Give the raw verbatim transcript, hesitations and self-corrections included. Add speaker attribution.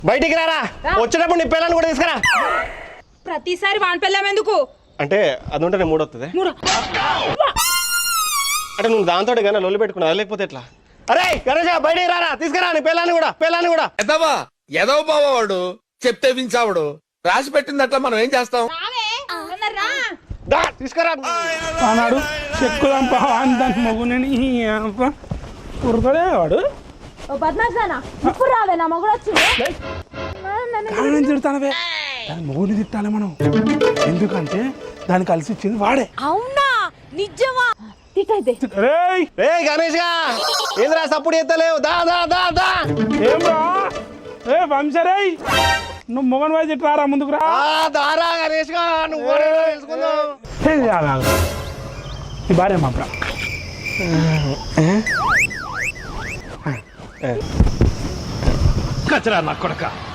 Speaker 1: బయటికి రారా, వచ్చేటప్పుడు నీ పిల్లల్ని కూడా తీసుకురా.
Speaker 2: ప్రతిసారి వాన్ పిల్లం ఎందుకు
Speaker 1: అంటే అది ఉంటే నేను మూడొస్తుంది అంటే నువ్వు దాంతో కానీ లొల్లి పెట్టుకున్నా లేకపోతే ఎట్లా? అరే గణేష్ బయటికి రారా, తీసుకురా నీ పిల్లాన్ని కూడా పిల్లాన్ని కూడా.
Speaker 3: ఎదవా ఎదవ బావాడు చెప్తే వించావుడు, రాసి పెట్టింది అట్లా మనం ఏం చేస్తాం?
Speaker 1: తీసుకురా
Speaker 4: అన్నాడు చెక్కుదాంపా దాని మగునని ఉరకడే వాడు
Speaker 2: రావే నా మగుడు వచ్చింది
Speaker 4: తిడతానవే దాని మగుని తిట్టాలి మనం, ఎందుకంటే దాన్ని కలిసి ఇచ్చింది వాడే.
Speaker 2: అవునా నిజమా?
Speaker 4: రేయ్
Speaker 1: గణేష్ గా ఏంద్రా సప్పుడు ఎత్తలేవు, దా దా దా దా.
Speaker 4: ఏం రా ఏ వంశరేయ్ నువ్వు మొగన్ వాయి తిట్టారా ముందుకు రా.
Speaker 1: దారా గణేష్ గా నువ్వు
Speaker 4: ఈ భార్య మా
Speaker 5: కచరా నా కొడక.